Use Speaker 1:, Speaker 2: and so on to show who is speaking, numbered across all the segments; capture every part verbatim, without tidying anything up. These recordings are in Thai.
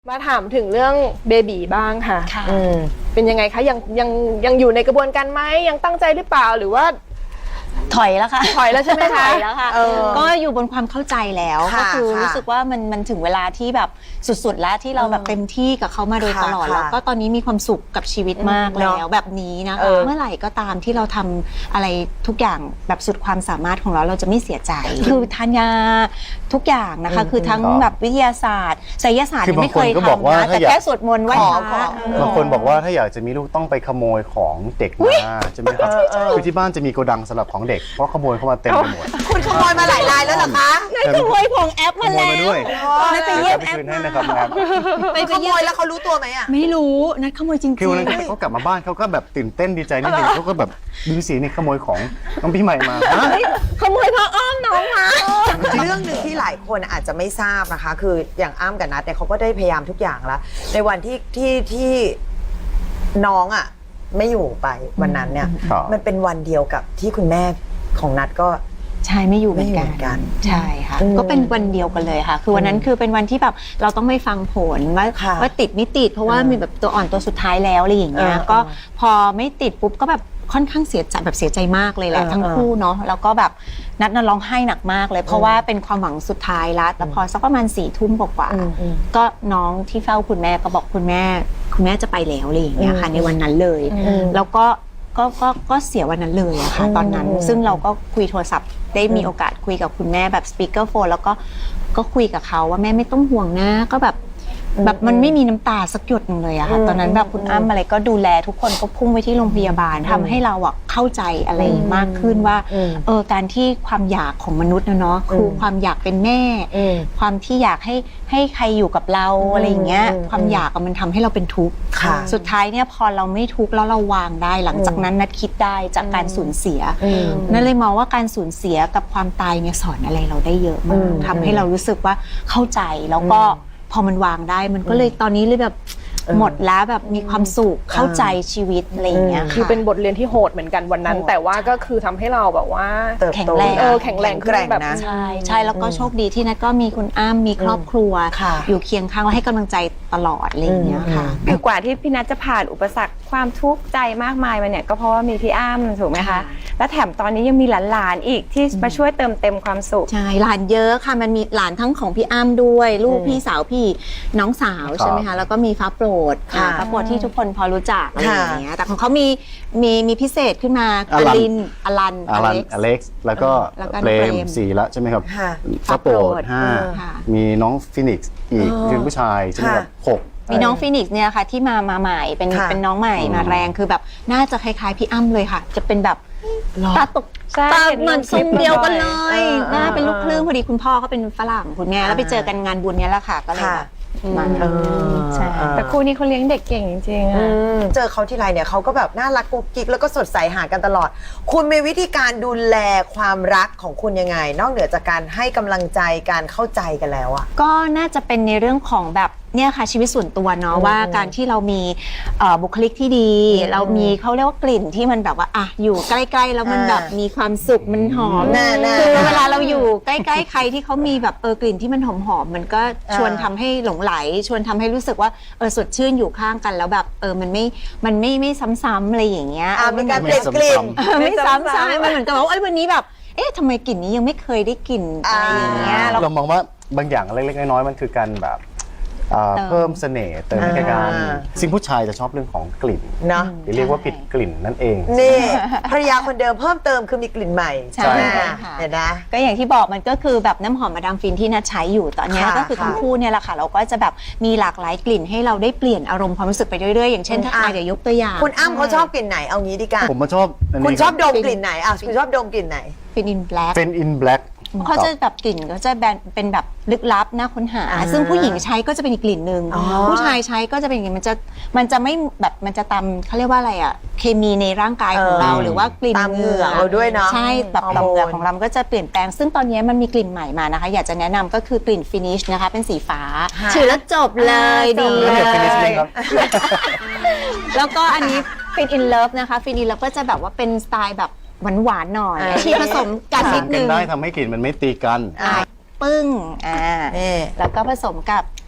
Speaker 1: มาถามถึงเรื่องเบบีบ้างค่ะ
Speaker 2: ค่ะ
Speaker 1: เป็นยังไงคะยังยังยังอยู่ในกระบวนการไหมยังตั้งใจหรือเปล่าหรือว่า
Speaker 2: ถอยแล้วค่ะ
Speaker 1: ถอยแล้วใช่ไหมคะ
Speaker 2: ถอยแล้วค่ะก็อยู่บนความเข้าใจแล้วก็คือรู้สึกว่ามันมันถึงเวลาที่แบบสุดๆแล้วที่เราแบบเต็มที่กับเขามาโดยตลอดแล้วก็ตอนนี้มีความสุขกับชีวิตมากแล้วแบบนี้นะคะเมื่อไหร่ก็ตามที่เราทำอะไรทุกอย่างแบบสุดความสามารถของเราเราจะไม่เสียใจคือทานยาทุกอย่างนะคะคือทั้งแบบวิทยาศาสตร์ไสยศาสตร์ไม่เคยทำนะแต่แค่สวดมนต์ไหว้พระ
Speaker 3: บางคนบอกว่าถ้าอยากจะมีลูกต้องไปขโมยของเด็กมาใช่ไหมครับคือที่บ้านจะมีโกดังสำหรับของเด็กเพราะขโมยเข้ามาเต็มไปหมด
Speaker 4: คุณขโมยมาหลายรายแล้วเหรอคะ
Speaker 2: นั่นขโมยของแอปมาแล้ว
Speaker 3: ไม่ไปเยี่ยมแอปให้นะครับแอป
Speaker 4: ไปขโมยแล้วเขารู้ตัวไหมอ่ะ
Speaker 2: ไม่รู้นัดขโมยจริงๆ
Speaker 3: คือวันนั้นเขากลับมาบ้านเขาก็แบบตื่นเต้นดีใจนิดนึงเขาก็แบบดูสินี่ขโมยของน้องพี่ใหม่มา
Speaker 2: ขโมยพ่ออ้อมน้องมา
Speaker 4: เรื่องหนึ่งที่หลายคนอาจจะไม่ทราบนะคะคืออย่างอ้ำกับนัทเนี่ยเขาก็ได้พยายามทุกอย่างแล้วในวันที่ที่ที่น้องอ่ะไม่อยู่ไปวันนั้นเนี่ยมันเป็นวันเดียวกับที่คุณแม่ของนัทก็
Speaker 2: ใช่ไม่อยู่เหมือนกันใช่ค่ะก็เป็นวันเดียวกันเลยค่ะคือวันนั้นคือเป็นวันที่แบบเราต้องไม่ฟังผลว่าว่าติดไม่ติดเพราะว่ามีแบบตัวอ่อนตัวสุดท้ายแล้วอะไรอย่างเงี้ยก็พอไม่ติดปุ๊บก็แบบค่อนข้างเสียใจแบบเสียใจมากเลยแหละทั้งคู่เนาะแล้วก็แบบนัดน่ะร้องไห้หนักมากเลยเพราะว่าเป็นความหวังสุดท้ายแล้วแล้วพอสักประมาณสี่ทุ่มกว่าๆก็น้องที่เฝ้าคุณแม่ก็บอกคุณแม่คุณแม่จะไปแล้วอะไรอย่างเงี้ยค่ะในวันนั้นเลยแล้วก็ก็ก็ก็เสียวันนั้นเลยอะค่ะตอนนั้นซึ่งเราก็คุยโทรศัพท์ได้มีโอกาสคุยกับคุณแม่แบบสปีกเกอร์โฟนแล้วก็ก็คุยกับเขาว่าแม่ไม่ต้องห่วงนะก็แบบแบบมันไม่มีน้ำตาสักหยดนึงเลยอะค่ะตอนนั้นแบบคุณอ้ำอะไรก็ดูแลทุกคนก็พุ่งไปที่โรงพยาบาลทำให้เราอะเข้าใจอะไรมากขึ้นว่าเออการที่ความอยากของมนุษย์นะเนาะคือความอยากเป็นแม่ความที่อยากให้ให้ใครอยู่กับเราอะไรอย่างเงี้ยความอยากมันทำให้เราเป็นทุกข์สุดท้ายเนี่ยพอเราไม่ทุกข์แล้วเราวางได้หลังจากนั้นนัดคิดได้จากการสูญเสียนั่นเลยมองว่าการสูญเสียกับความตายเนี่ยสอนอะไรเราได้เยอะมากทำให้เรารู้สึกว่าเข้าใจแล้วก็พอมันวางได้มันก็เลยตอนนี้เลยแบบหมดแล้วแบบมีความสุขเข้าใจชีวิตอะไรอย่างเงี้ย
Speaker 1: คือเป็นบทเรียนที่โหดเหมือนกันวันนั้นแต่ว่าก็คือทำให้เราแบบว่า
Speaker 2: แข็งแรง
Speaker 1: เออแข็งแรงขึ้นแบบ
Speaker 2: ใช่ใช่แล้วก็โชคดีที่นัทก็มีคุณอ้ำมีครอบครัวอยู่เคียงข้างและให้กำลังใจตลอดอะไรอย่างเงี้ยค่ะ
Speaker 5: คือกว่าที่พี่นัทจะผ่านอุปสรรคความทุกข์ใจมากมายมาเนี่ยก็เพราะว่ามีพี่อ้ำถูกไหมคะและแถมตอนนี้ยังมีหลานๆอีกที่มาช่วยเติมเต็มความสุข
Speaker 2: ใช่หลานเยอะค่ะมันมีหลานทั้งของพี่อ้ำด้วยลูกพี่สาวพี่น้องสาวใช่ไหมคะแล้วก็มีฟ้าโปรดค่ะฟ้าโปรดที่ทุกคนพอรู้จักอะไรอย่างเงี้ยแต่ของเขามีมีมีพิเศษขึ้นมาอลินอลัน
Speaker 3: อลันอเล็กซ์แล้วก็เปรมสี่แล้วใช่ไหมครับฟ้าโปรดห้ามีน้องฟินิกซ์อีกเป็นผู้ชายใช่ไหมครับหก
Speaker 2: มีน้องฟินิกซ์เนี่ยค่ะที่มามาใหม่เป็นเป็นน้องใหม่มาแรงคือแบบน่าจะคล้ายๆพี่อ้ำเลยค่ะจะเป็นแบบตาตกตาเหมือนทรงเดียวกันเลยหน้าเป็นลูกครึ่งพอดีคุณพ่อเขาเป็นฝรั่งคุณแม่แล้วไปเจอกันงานบุญเนี้ยแหละค่ะก็เลยมา
Speaker 5: ใช่แต่คู่นี้เขาเลี้ยงเด็กเก่งจริงๆอ่ะ
Speaker 4: เจอเขาทีไรเนี่ยเขาก็แบบน่ารักกุ๊กกิ๊กแล้วก็สดใสหากันตลอดคุณมีวิธีการดูแลความรักของคุณยังไงนอกเหนือจากการให้กำลังใจการเข้าใจกันแล้วอ่ะ
Speaker 2: ก็น่าจะเป็นในเรื่องของแบบเนี่ยค่ะชีวิตส่วนตัวเนาะว่าการที่เรามีบุคลิกที่ดีเรามีเขาเรียกว่ากลิ่นที่มันแบบว่าอ่ะอยู่ใกล้ๆแล้วมันแบบมีความสุขมันหอมคือเวลาเราอยู่ใกล้ๆใครที่เขามีแบบเออกลิ่นที่มันหอมๆมันก็ชวนทำให้หลงไหลชวนทำให้รู้สึกว่าเออสดชื่นอยู่ข้างกันแล้วแบบเออมันไม่มันไม่ไม่ซ้ำๆอะไรอย่างเงี้ย
Speaker 4: เป็นการเปลี่ยนกลิ่น
Speaker 2: ไม่ซ้ำๆมันเหมือนกับว่าเอ้ยวันนี้แบบเอ๊ะทำไมกลิ่นนี้ยังไม่เคยได้กลิ่นอะไรอย่างเงี้ย
Speaker 3: เรามองว่าบางอย่างเล็กๆน้อยๆมันคือการแบบเพิ่มเสน่ห์เติมให้กันซึ่งผู้ชายจะชอบเรื่องของกลิ่น
Speaker 4: เนาะ
Speaker 3: เรียกว่าผิดกลิ่นนั่นเอง
Speaker 4: นี่ภรรยาคนเดิมเพิ่มเติมคือมีกลิ่นใหม่
Speaker 2: ใช่
Speaker 4: เห็นนะ
Speaker 2: ก็อย่างที่บอกมันก็คือแบบน้ำหอมมาดามฟินที่นัทใช้อยู่ตอนนี้ก็คือทั้งคู่เนี่ยแหละค่ะเราก็จะแบบมีหลากหลายกลิ่นให้เราได้เปลี่ยนอารมณ์ความรู้สึกไปเรื่อยๆอย่างเช่นถ้าอาจจะยกตัวอย่าง
Speaker 4: คุณอ้ำเขาชอบกลิ่นไหนเอางี้ดีกว่า
Speaker 3: ผมมาชอบ
Speaker 4: คุณชอบดมกลิ่นไหนอ่ะคุณชอบดมกลิ่นไหน
Speaker 2: เป็นอินแบล็ค
Speaker 3: เป็นอินแบล็ค
Speaker 2: เขาจะแบบกลิ่นก็จะแบนเป็นแบบลึกลับน่าค้นหาซึ่งผู้หญิงใช้ก็จะเป็นอีกกลิ่นหนึ่งผู้ชายใช้ก็จะเป็นอย่างนี้มันจะมันจะไม่แบบมันจะตามเขาเรียกว่าอะไรอ่ะเคมีในร่างกายของเราหรือว่ากลิ่น
Speaker 4: เหงื่อเราด้วยเนาะ
Speaker 2: ใช่แบบต่อมเหงื่อของเราก็จะเปลี่ยนแปลงซึ่งตอนนี้มันมีกลิ่นใหม่มานะคะอยากจะแนะนำก็คือกลิ่นฟินิชนะคะเป็นสีฟ้าถือแล้วจบเลยดีเลยแล้วก็อันนี้ฟินอินเลิฟนะคะฟินอินเลิฟก็จะแบบว่าเป็นสไตล์แบบหวานๆหน่อยที่ผสมกันนิดนึง
Speaker 3: ได้ทำให้กลิ่นมันไม่ตีกัน
Speaker 2: ปึ้งอ่าแล้วก็ผสมกับ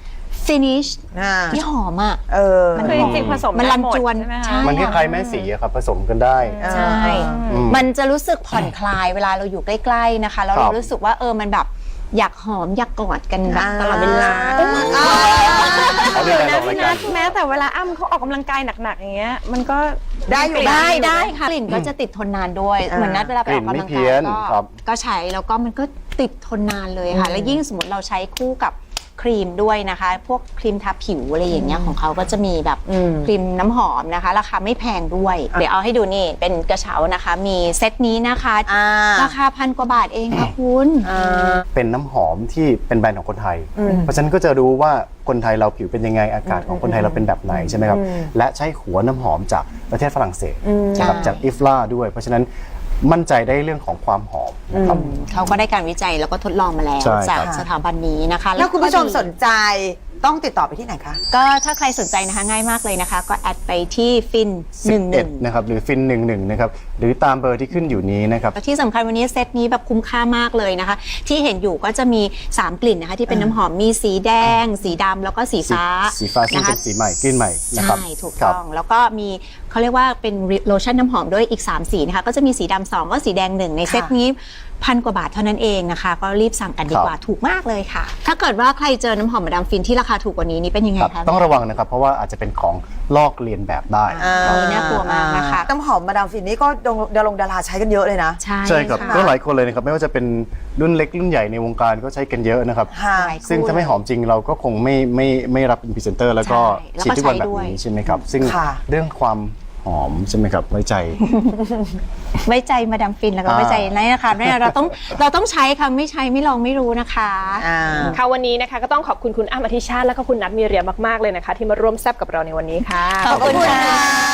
Speaker 2: finish
Speaker 4: อ่า
Speaker 2: ที่หอมอ่ะ
Speaker 4: เออ
Speaker 2: มัน
Speaker 5: คือจริงๆผสม
Speaker 2: มัน
Speaker 5: ได้
Speaker 2: รัน
Speaker 5: หด
Speaker 2: จวน
Speaker 5: ใช่ไหม
Speaker 2: ใช่
Speaker 5: คะ
Speaker 3: มันคล้ายๆแม่สีอะครับผสมกันได้
Speaker 2: ใช่
Speaker 3: อืม
Speaker 2: มันจะรู้สึกผ่อนคลายเวลาเราอยู่ใกล้ๆนะคะ แล้ว
Speaker 3: ครั
Speaker 2: เรา
Speaker 3: บ
Speaker 2: รู้สึกว่าเออมันแบบอยากหอมอยากกอดกันแบบ
Speaker 4: อ่า
Speaker 2: ตลอดเวลา
Speaker 3: เขาเรียกอะไร
Speaker 5: นะ
Speaker 3: ออกราย
Speaker 5: พี่
Speaker 3: กา
Speaker 5: นั
Speaker 3: ร
Speaker 5: ทแม้แต่เวลาอ้ำเขาออกกำลังกายหนักๆอย่างเงี้ยมันก็
Speaker 4: ได้อยู่
Speaker 2: ได้ได้ค่ะกลิ่นก็จะติดทนนานด้วย
Speaker 4: อ่า
Speaker 2: เหมือนนัดเวลาไปออกกำลัง
Speaker 3: กลิ่นไม่เพี้
Speaker 2: กาย ย
Speaker 3: น
Speaker 2: ก็
Speaker 3: ครับ
Speaker 2: ก็ใช้แล้วก็มันก็ติดทนนานเลยค่ะ และยิ่งสมมติเราใช้คู่กับครีมด้วยนะคะ พวกครีมทาผิวอะไรอย่างเงี้ยของเขาก็จะมีแบบ
Speaker 4: อืม
Speaker 2: ครีมน้ำหอมนะคะ ราคาไม่แพงด้วย เดี๋ยวเอาให้ดูนี่เป็นกระเช้านะคะ มีเซตนี้นะคะ
Speaker 4: อ่า
Speaker 2: ราคาพันกว่าบาทเองค่ะคุณ
Speaker 4: อ่า
Speaker 3: เป็นน้ำหอมที่เป็นแบรนด์ของคนไทย
Speaker 4: อืม
Speaker 3: เพราะฉะนั้นก็จะรู้ว่าคนไทยเราผิวเป็นยังไงอากาศของคนไทยเราเป็นแบบไหนใช่ไหมครับ
Speaker 4: อืม
Speaker 3: และใช้หัวน้ำหอมจากประเทศฝรั่งเศส
Speaker 4: อืม
Speaker 3: นะครับ
Speaker 2: ใช่
Speaker 3: จากอิฟลาด้วย เพราะฉะนั้นมั่นใจได้เรื่องของความหอมนะครับ
Speaker 2: เขาก็ได้การวิจัยแล้วก็ทดลองมาแล้ว
Speaker 3: ใช่
Speaker 2: จาก
Speaker 3: ครับ
Speaker 2: สถาบันนี้นะคะ
Speaker 4: แล้วคุณผู้ชม
Speaker 2: ก็ดี
Speaker 4: สนใจต้องติดต่อไปที่ไหนคะ
Speaker 2: ก็ถ้าใครสนใจนะคะง่ายมากเลยนะคะ ก็แอดไปที่ฟินหนึ่งหนึ่ง
Speaker 3: สิบเอ็ดนะครับหรือฟินหนึ่งหนึ่งนะครับหรือตามเบอร์ที่ขึ้นอยู่นี้นะครับ
Speaker 2: แล้วที่สำคัญวันนี้เซตนี้แบบคุ้มค่ามากเลยนะคะ ที่เห็นอยู่ก็จะมีสามกลิ่นนะคะ ที่เป็นน้ำหอมมีสีแดง สีดำแล้วก็สีฟ้า
Speaker 3: สีฟ้าซึ่ง
Speaker 2: นะคะ
Speaker 3: เป็นสีใหม่กลิ่นใหม่นะครับ
Speaker 2: ใช่ถูก
Speaker 3: ครับ
Speaker 2: ต้องแล้วก็มีเขาเรียกว่าเป็นโลชั่นน้ำหอมด้วยอีกสามสีนะคะก็จะมีสีดำสองก็สีแดงหนึ่งในเซตนี้พันกว่าบาทเท่านั้นเองนะคะ ก็รีบสั่งกันดีกว่าถูกมากเลยค่ะ ถ้าเกิดว่าใครเจอน้ำหอมมาดามฟินที่ราคาถูกกว่านี้นี่เป็นยังไง
Speaker 3: ครับ
Speaker 2: คะ
Speaker 3: ต้องระวังนะครับ เพราะว่าอาจจะเป็นของลอกเลียนแบบได้
Speaker 2: อันนี้น่ากลัวมากนะคะ
Speaker 4: น้ำหอมมาดามฟินนี่ก็ดารงดาราใช้กันเยอะเลยนะ
Speaker 2: ใช่
Speaker 3: ใช่ครับ
Speaker 2: ะ
Speaker 3: ก็หลายคนเลยนะครับ ไม่ว่าจะเป็นรุ่นเล็กรุ่นใหญ่ในวงการก็ใช้กันเยอะนะครับ
Speaker 4: ค่ะ
Speaker 2: หลายคู่
Speaker 3: ซึ่งถ้าไม่หอมจริงเราก็คงไม่ไม่ไม่รับเป็นพรีเซนเตอร์แล้วก็
Speaker 2: ใช่
Speaker 3: ฉีดทุกวันแบบ
Speaker 2: แล้วก็ใช้ด้วย
Speaker 3: นี้ใช่ไหมครับ ซึ่ง
Speaker 4: ค่ะ
Speaker 3: เรื่องความหอมใช่ไหมครับไว้ใจ
Speaker 2: ไว้ใจมาดามฟินแล้วก็
Speaker 3: อ่า
Speaker 2: ไว้ใจนี่นะคะเนี่ยเราต้องเราต้องใช้ค่ะไม่ใช้ไม่ลองไม่รู้นะคะ
Speaker 4: อ่า
Speaker 1: ค่ะวันนี้นะคะก็ต้องขอบคุณคุณอ้ำอธิชาติและก็คุณนัทมีเรียมากๆเลยนะคะ ที่มาร่วมแซบกับเราในวันนี้ค่ะ
Speaker 2: ขอบคุณค่ะ